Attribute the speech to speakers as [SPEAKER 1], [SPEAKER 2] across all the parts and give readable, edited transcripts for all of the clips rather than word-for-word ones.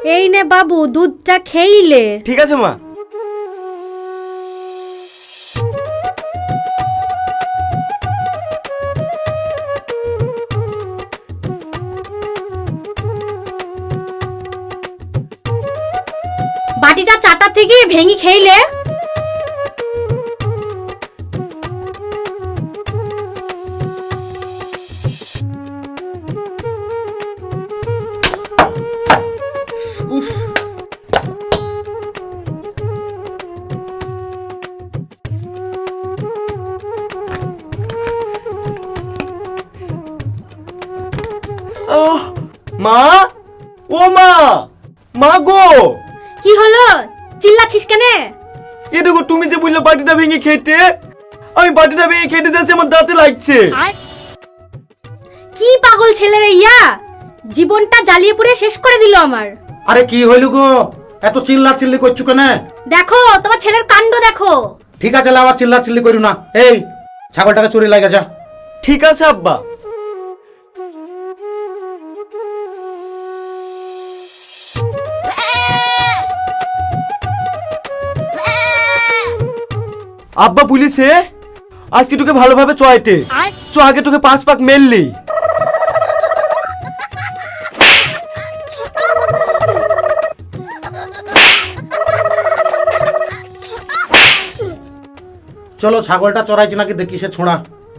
[SPEAKER 1] এই নে বাবু, দুধটা খেইলে।
[SPEAKER 2] ঠিক আছে মা।
[SPEAKER 1] বাটিটা চাটা থেকে ভেঙে খেইলে।
[SPEAKER 2] উফ, মা, ও মা, মা গো।
[SPEAKER 1] কি হলো, চিল্লাছিস কেন?
[SPEAKER 2] এ দেখো, তুমি যে বললে বাটিটা ভেঙে খেতে, আমি বাটিটা ভেঙে খেতে যাচ্ছি, আমার দাঁতে লাগছে।
[SPEAKER 1] কি পাগল ছেলে রে ইয়া, জীবনটা জ্বালিয়ে পুড়ে শেষ করে দিল আমার।
[SPEAKER 3] আরে কি হইল গো, এত চিল্লা চিল্লি করছো কেন?
[SPEAKER 1] দেখো তোমার ছেলের কাণ্ড দেখো।
[SPEAKER 3] ঠিক আছে, আবার চিল্লা চিল্লি করো না। এই ছাগলটাকে চুরি লাগা যা।
[SPEAKER 2] ঠিক আছে আব্বা। আব্বা পুলিশে আজকে তোকে ভালোভাবে চয়েটে চ, আগে তোকে 5 পাক মেললি।
[SPEAKER 3] চলো ছাগলটা চড়াইছে নাকি দেখি সে ছোঁড়া।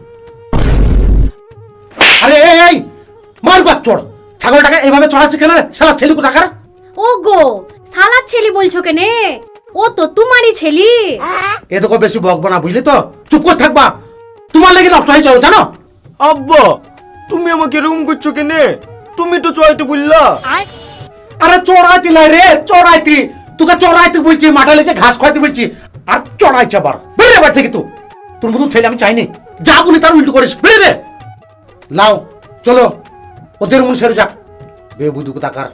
[SPEAKER 3] আরে এই এই মার বাপ চড়, ছাগলটাকে এইভাবে চড়াচ্ছে কেন রে শালা ছেলে কোথাকার?
[SPEAKER 1] ও গো, সালাদ ছেলি বলছো কেনে? ও তো তোমারই ছেলি।
[SPEAKER 3] এ দেখো বেশি বকবো না, বুঝলি তো? চুপ করে থাকবা, তোমার লেগে নষ্ট হয়ে যাও জানো।
[SPEAKER 2] আব্বা তুমি আমাকে রুম করছো কেনে? তুমি তো চয়েটে বললা।
[SPEAKER 3] আরে চড়াইতে নাই রে, চড়াইতে তোকে চড়াইতে বলছি, মাঠে লেছে ঘাস খাইতে বলছি, আর চড়াইছে আবার। বেরে বার থেকে তো তোর মতন ছেলে আমি চাইনি, যা বলি তার উল্টো করিস। বেরে রে, লাও চলো ওদের মন সেরে যাক বে বুধু কোথাকার।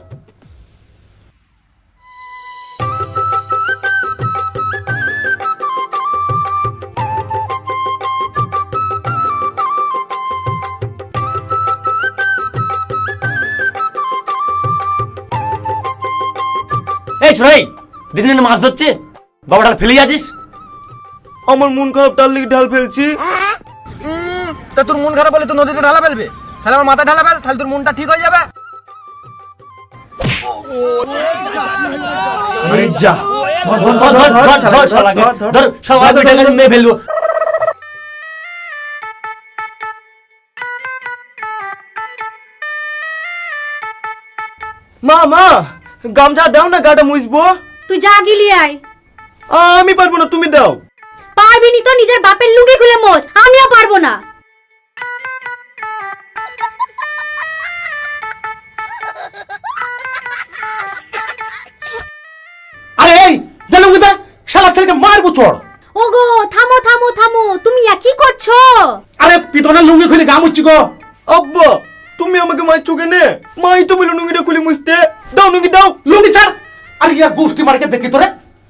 [SPEAKER 4] এই ছোড়াই, দিদিন মাছ ধরছে, বাবা ডাল ফেলে যাচ্ছিস।
[SPEAKER 2] আমার মন খারাপ, তার লিগে ঢাল ফেলছি।
[SPEAKER 5] তা তোর মন খারাপ হলে তো নদীতে ঢালা ফেলবে, তাহলে আমার মাথা ঢালা ফেল, তাহলে তোর মনটা ঠিক হয়ে যাবে।
[SPEAKER 4] আরে যা, ধর ধর ধর ধর ধর ধর শালাকে, ধর শালা দুইটা গাছে মেরে ফেলবো।
[SPEAKER 2] মা মা, গামছা দাও না, গাটা মুছবো।
[SPEAKER 1] তুই যা গিলি আয়।
[SPEAKER 2] আমি পারবো না, তুমি দাও।
[SPEAKER 1] পারবি নি তো নিজের বাপের লুঙ্গি খুলে মোচ, আমিও পারবো না।
[SPEAKER 3] আরে এই জানো কোথা, শালা ছেলেকে মারবো চড়।
[SPEAKER 1] ওগো থামো থামো থামো, তুমি কি করছো?
[SPEAKER 3] আরে পিতনের লুঙ্গি খুলে গা মুচ্ছি গো।
[SPEAKER 2] আব্বা তুমি আমাকে মারছো কেনে? মাই তো বলে নুঙ্গিটা খুলে মুছতে দাও, নুঙ্গি দাও।
[SPEAKER 3] লুঙ্গি ছাড়। আরে ইয়ার গোষ্ঠী মার্কে দেখি তোরে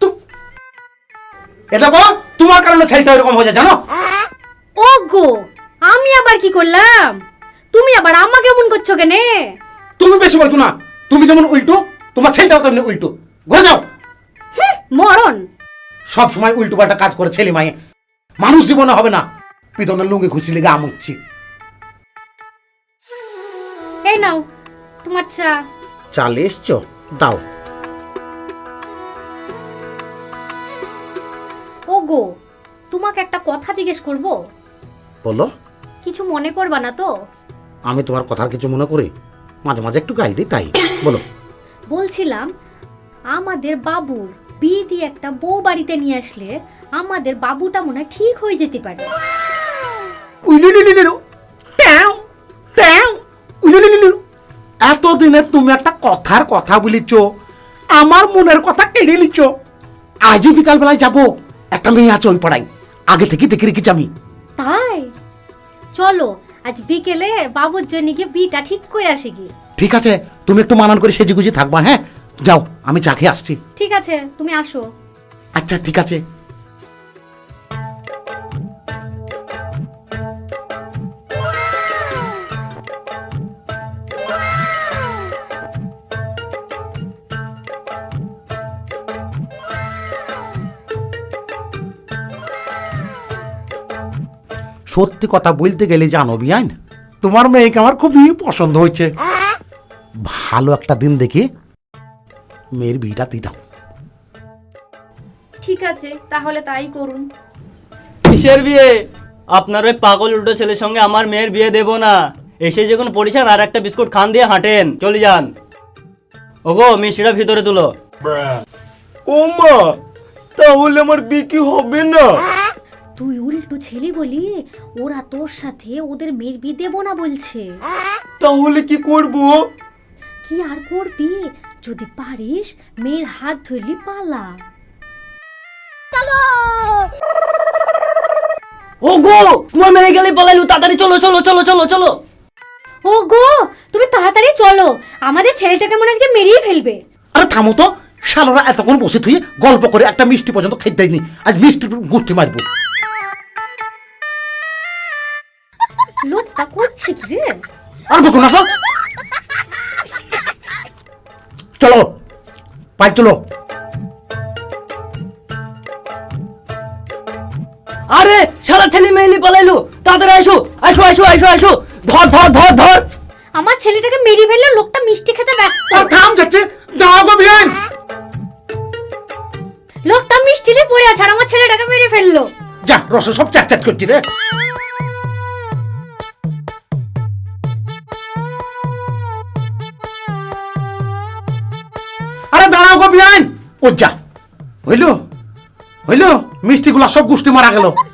[SPEAKER 3] এটা গো, তোমার কারণে ছেলেটা এরকম হয়ে যায় জানো।
[SPEAKER 1] ওগো আমি আবার কি করলাম? তুমি আবার আমাকে এমন করছো কেনে?
[SPEAKER 3] তুমি বেশি বলতো না, তুমি যেমন উল্টো তোমার ছেলেটাও তেমনি উল্টো। ঘুরে যাও।
[SPEAKER 1] মরণ।
[SPEAKER 3] সব সময় উল্টো পাল্টা কাজ করে ছেলে মায়ে, মানুষ জীবনে হবে না। পিতনের লুঙ্গি খুশি লেগে আমুচ্ছি।
[SPEAKER 1] এই নাও তোমার চা।
[SPEAKER 3] চাল এসছো, দাও।
[SPEAKER 1] ওগো তোমাকে একটা কথা জিজ্ঞেস করব?
[SPEAKER 3] বলো।
[SPEAKER 1] কিছু মনে করবা না তো?
[SPEAKER 3] আমি তোমার কথার কিছু মনে করি, মাঝে মাঝে একটু গাইল দিই তাই। বলো।
[SPEAKER 1] বলছিলাম আমাদের বাবুর বিয়ে দিয়ে একটা বউ বাড়িতে নিয়ে আসলে আমাদের বাবুটা মনে হয় ঠিক হয়ে যেতে পারে।
[SPEAKER 3] এতদিনে তুমি একটা কথার কথা বলিছ, আমার মনের কথা কেড়ে লিছ। আজই বিকাল বেলায় যাবো, একটা মেয়ে আছে ওই পাড়ায়, আগে থেকে দেখে রেখেছি আমি।
[SPEAKER 1] তাই চলো আজ বিকেলে বাবুর জন্য গিয়ে বিটা ঠিক করে আসি কি?
[SPEAKER 3] ঠিক আছে, তুমি একটু মানান করে সেজে গুজে থাকবা। হ্যাঁ যাও, আমি চা খেয়ে আসছি।
[SPEAKER 1] ঠিক আছে তুমি আসো।
[SPEAKER 3] আচ্ছা ঠিক আছে। সত্যি কথা বলতে গেলে জানো বিয়ান, তোমার মেয়েকে আমার খুবই পছন্দ হয়েছে। ভালো একটা দিন দেখে মেয়ের বিয়েটা দিয়ে দাও।
[SPEAKER 6] ঠিক আছে, তাহলে তাই করুন।
[SPEAKER 4] কিসের বিয়ে? আপনার ওই পাগল উল্টো ছেলের সঙ্গে আমার মেয়ের বিয়ে দেব না। এসে যখন পড়েছেন আর একটা বিস্কুট খান দিয়ে হাঁটেন, চলে যান। ওগো মিষ্টিটা ভিতরে তুলো।
[SPEAKER 2] ও মা, তাহলে আমার বিয়ে কি হবে না?
[SPEAKER 1] তুই উল্টো ছেলে বলি ওরা তোর সাথে ওদের মেয়ের বিয়ে দেবো না বলছে।
[SPEAKER 2] তাহলে কি করব?
[SPEAKER 1] কি আর করবি, যদি পারিস মেয়ের হাত ধরলি পালা।
[SPEAKER 4] ওগো তোমার মেয়ে গেলে পালাইলু, তাড়াতাড়ি চলো চলো চলো চলো চলো।
[SPEAKER 1] ও গো, তুমি তাড়াতাড়ি চলো, আমাদের ছেলেটাকে মনে আজকে মেরিয়ে ফেলবে।
[SPEAKER 3] আরে থামো তো, শালারা এতক্ষণ বসে থুয়ে গল্প করে একটা মিষ্টি পর্যন্ত খেতে দেয়নি, আজ মিষ্টি গুষ্টি মারবো।
[SPEAKER 1] লোকটা করছে কি রে?
[SPEAKER 3] আর বকো না তো। চলো পাই চলো।
[SPEAKER 4] আরে সারা ছেলে মেয়েলি পালাইলু, তাড়াতাড়ি আসো আসো আসো আসো আসো। ধর ধর ধর ধর।
[SPEAKER 1] আমার ছেলেটাকে মেরিয়ে ফেললে, লোকটা মিষ্টি খেতে ব্যস্ত।
[SPEAKER 3] আর থাম যাচ্ছে, দাও গো বিয়ান।
[SPEAKER 1] লোকটা মিষ্টি নিয়ে পড়ে আছে আর আমার ছেলেটাকে মেরে ফেললো।
[SPEAKER 3] যা রসে সব চ্যাট চ্যাট করছি রে। আরে দাঁড়াও গো বিয়ান। ও যা, হইলো হইলো, মিষ্টিগুলা সব গুষ্টি মারা গেল।